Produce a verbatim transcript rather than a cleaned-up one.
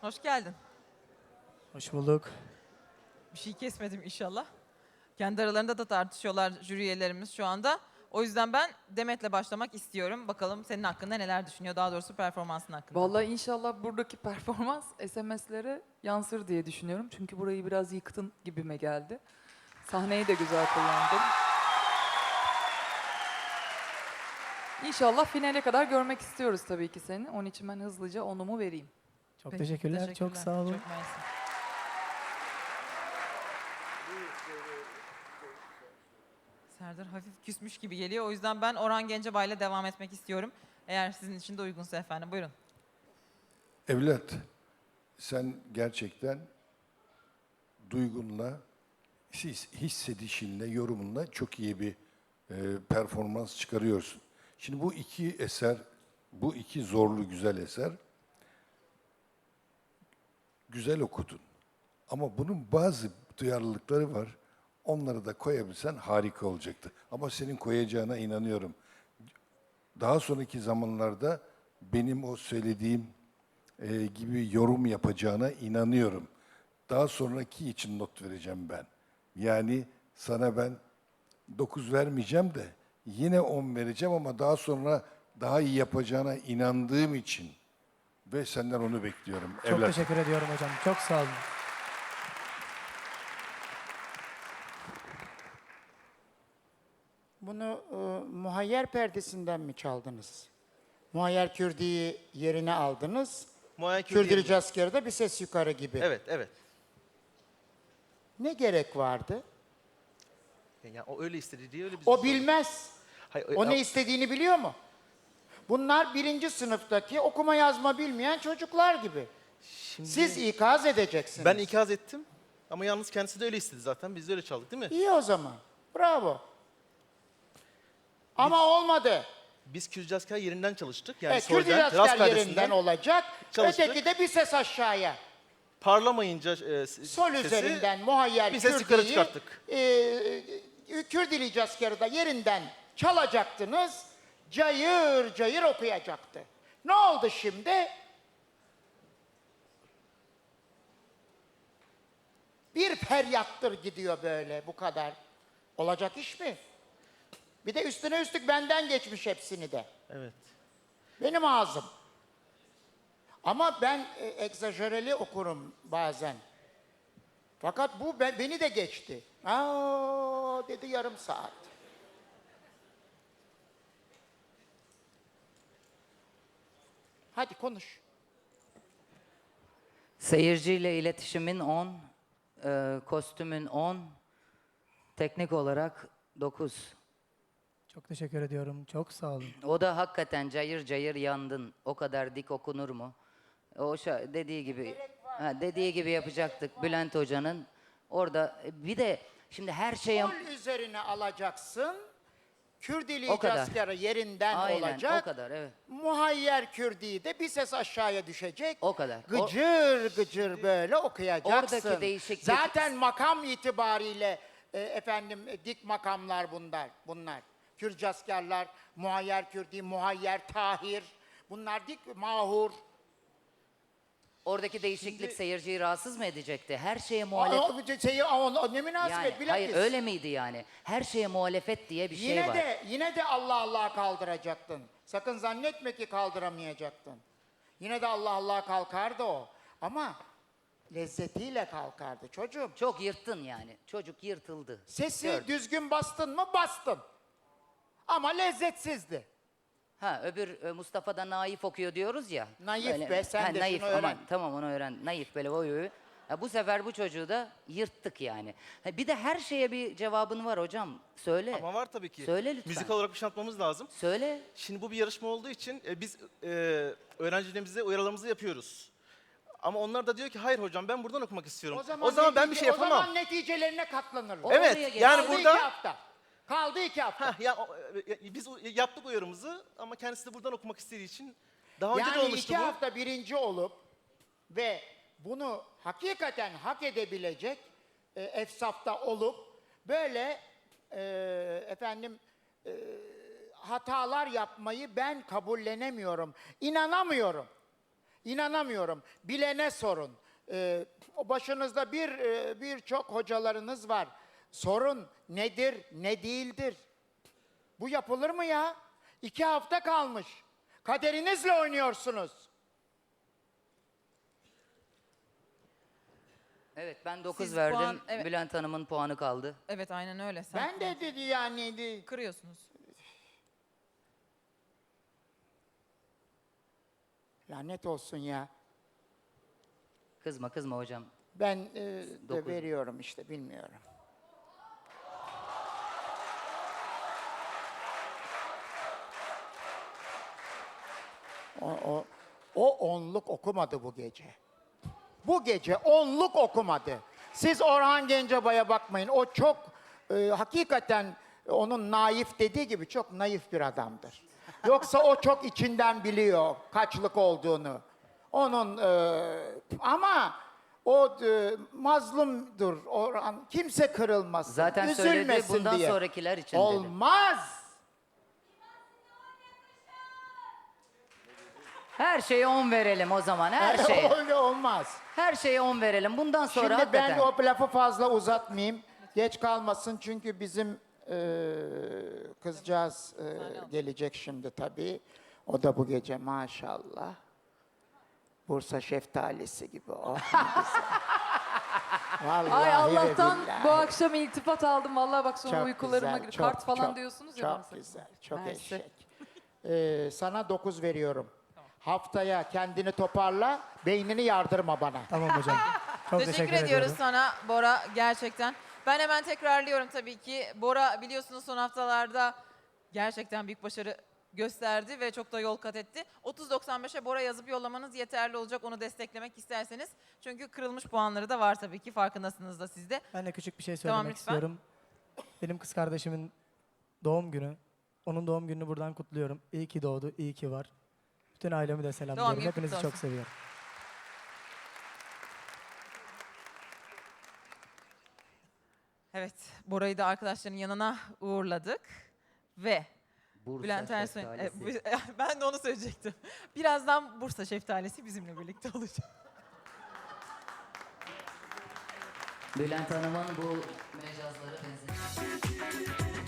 Hoş geldin. Hoş bulduk. Bir şey kesmedim inşallah. Kendi aralarında da tartışıyorlar jüri üyelerimiz şu anda. O yüzden ben Demet'le başlamak istiyorum. Bakalım senin hakkında neler düşünüyor, daha doğrusu performansın hakkında. Vallahi inşallah buradaki performans S M S'lere yansır diye düşünüyorum. Çünkü burayı biraz yıktın gibime geldi. Sahneyi de güzel kullandın. İnşallah finale kadar görmek istiyoruz tabii ki seni. Onun için ben hızlıca onumu vereyim. Çok Peki, teşekkürler, çok sağ olun. Çok mersi. Serdar hafif küsmüş gibi geliyor. O yüzden ben Orhan Gencebay'la devam etmek istiyorum. Eğer sizin için de uygunsa efendim. Buyurun. Evlat, sen gerçekten duygunla, his- hissedişinle, yorumunla çok iyi bir e, performans çıkarıyorsun. Şimdi bu iki eser, bu iki zorlu güzel eser, güzel okudun. Ama bunun bazı duyarlılıkları var. Onları da koyabilsen harika olacaktı. Ama senin koyacağına inanıyorum. Daha sonraki zamanlarda benim o söylediğim e, gibi yorum yapacağına inanıyorum. Daha sonraki için not vereceğim ben. Yani sana ben dokuz vermeyeceğim de yine on vereceğim ama daha sonra daha iyi yapacağına inandığım için ve senden onu bekliyorum. Çok evlat. teşekkür ediyorum hocam. Çok sağ olun. Bunu e, muhayyer perdesinden mi çaldınız? Muhayyer Kürdi'yi yerine aldınız. Muayyen Kürdi Kürdili yerine. Casker'da bir ses yukarı gibi. Evet, evet. Ne gerek vardı? Yani o öyle istedi diye öyle biz. O bilmez. Hayır, O ne ya- istediğini biliyor mu? Bunlar birinci sınıftaki okuma yazma bilmeyen çocuklar gibi. Şimdi Siz ikaz edeceksiniz. ben ikaz ettim ama yalnız kendisi de öyle istedi zaten. Biz de öyle çaldık değil mi? İyi o zaman. Bravo. Ama olmadı. Biz Kürcasker yerinden çalıştık. Yani e, Kürdili solden, rast Casker perdesinden yerinden olacak. çalıştık. Öteki de bir ses aşağıya. parlamayınca e, s- Sol sesi, üzerinden muhayyer bir ses yukarı Kürdi'yi çıkarttık. e, e, Kürdili Casker'ı da yerinden çalacaktınız. Cayır cayır okuyacaktı. Ne oldu şimdi? Bir feryattır gidiyor böyle bu kadar. Olacak iş mi? Bir de üstüne üstlük benden geçmiş hepsini de. Evet. Benim ağzım. Ama ben e, egzajereli okurum bazen. Fakat bu be- beni de geçti. Aa dedi yarım saat. Hadi konuş. Seyirciyle iletişimin on, e, kostümün on, teknik olarak dokuz. Çok teşekkür ediyorum. Çok sağ olun. O da hakikaten cayır cayır yandın. O kadar dik okunur mu? O şa- dediği gibi, ha, dediği gibi yapacaktık Bülent Hoca'nın. Orada e, bir de şimdi her şeye Sol üzerine alacaksın. Kürdili O kadar. Casker'ı yerinden aynen olacak. o kadar evet. Muhayyer Kürdi'yi de bir ses aşağıya düşecek. O kadar. O- Gıcır gıcır böyle okuyacaksın. Oradaki değişiklik- Zaten makam itibariyle e, efendim e, dik makamlar bunlar. Bunlar. Kürcaskerler, Muhayyer Kürdi, Muhayyer Tahir. Bunlar dik mahur. Oradaki değişiklik seyirciyi rahatsız mı edecekti? Her şeye O, muhalefet. o, şeyi, o, o, ne münasebet Yani, bilakis. hayır öyle miydi yani? Her şeye muhalefet diye bir şey Yine var. de yine de Allah Allah kaldıracaktın. Sakın zannetme ki kaldıramayacaktın. Yine de Allah Allah kalkardı o. Ama lezzetiyle kalkardı çocuğum. Çok yırttın yani. Çocuk yırtıldı. Sesi Gördüm. düzgün bastın mı bastın. Ama lezzetsizdi. Ha öbür e, Mustafa'da naif okuyor diyoruz ya. Naif be, sen de naif, şunu öğren. aman, tamam onu öğren. Naif böyle oy oy. Ha, bu sefer bu çocuğu da yırttık yani. Ha, bir de her şeye bir cevabın var hocam. Söyle. Ama var tabii ki. Söyle lütfen. Müzikal olarak bir şey anlatmamız lazım. Söyle. Şimdi bu bir yarışma olduğu için e, biz e, öğrencilerimize uyarılarımızı yapıyoruz. Ama onlar da diyor ki hayır hocam ben buradan okumak istiyorum. O zaman, ben bir netice- şey yapamam. O zaman neticelerine katlanırlar. O- Evet Oraya gel. yani Kaldı burada... iki hafta. Kaldı iki hafta. Heh, ya, o- e, biz o- yaptık uyarımızı ama kendisi de buradan okumak istediği için daha önce de Yani olmuştu iki bu. hafta birinci olup ve bunu hakikaten hak edebilecek e, efsafta olup böyle e, efendim e, hatalar yapmayı ben kabullenemiyorum. İnanamıyorum. İnanamıyorum. Bilene sorun. Ee, o başınızda bir e, birçok hocalarınız var. Sorun nedir, ne değildir? Bu yapılır mı ya? İki hafta kalmış. Kaderinizle oynuyorsunuz. Evet ben dokuz Siz verdim. puan- evet. Bülent Hanım'ın puanı kaldı. Evet aynen öyle. Sen Ben de dedi yani de- kırıyorsunuz. lanet olsun ya. Kızma kızma hocam. Ben e, de Dokuz. veriyorum işte bilmiyorum. O, o, o onluk okumadı bu gece. Bu gece onluk okumadı. Siz Orhan Gencebay'a bakmayın. O çok e, hakikaten onun naif dediği gibi çok naif bir adamdır. Yoksa o çok içinden biliyor kaçlık olduğunu. Onun e, ama o e, mazlumdur. Orhan kimse kırılmasın. Zaten söyledi, üzülmesin bundan diye. sonrakiler için dedi. Olmaz. Her şeye on verelim o zaman her şeye. Öyle olmaz. Her şeye on verelim. Bundan sonra Şimdi hakikaten. ben o lafı fazla uzatmayayım. Geç kalmasın çünkü bizim e, kızcağız e, gelecek şimdi tabii. O da bu gece maşallah. Bursa şeftalisi gibi. Oh, ne güzel. Vallahi Ay ve Allah'tan billahi. bu akşam iltifat aldım. Vallahi bak sonra Çok uykularıma güzel, gir. çok, Kart falan çok, diyorsunuz ya bana. Çok güzel, çok Mersi. eşek. Ee, sana dokuz veriyorum. Haftaya kendini toparla, beynini yardırma bana. Tamam hocam. Çok Teşekkür, teşekkür, ediyoruz ediyorum. sana Bora gerçekten. Ben hemen tekrarlıyorum tabii ki. Bora biliyorsunuz son haftalarda gerçekten büyük başarı gösterdi ve çok da yol kat etti. otuz doksan beşe Bora yazıp yollamanız yeterli olacak onu desteklemek isterseniz. Çünkü kırılmış puanları da var tabii ki farkındasınız da siz de. Ben de küçük bir şey Tamam, söylemek lütfen. istiyorum. Benim kız kardeşimin doğum günü. Onun doğum gününü buradan kutluyorum. İyi ki doğdu, iyi ki var. Bütün ailemi de selamlıyorum. günü Hepinizi kutlu çok olsun. seviyorum. Evet, Bora'yı da arkadaşlarının yanına uğurladık ve Bursa Bülent Ersoy, şeftalisi. e, bu- ben de onu söyleyecektim. Birazdan Bursa şeftalisi bizimle birlikte olacak. Bülent Hanım'ın bu mecazları benzer.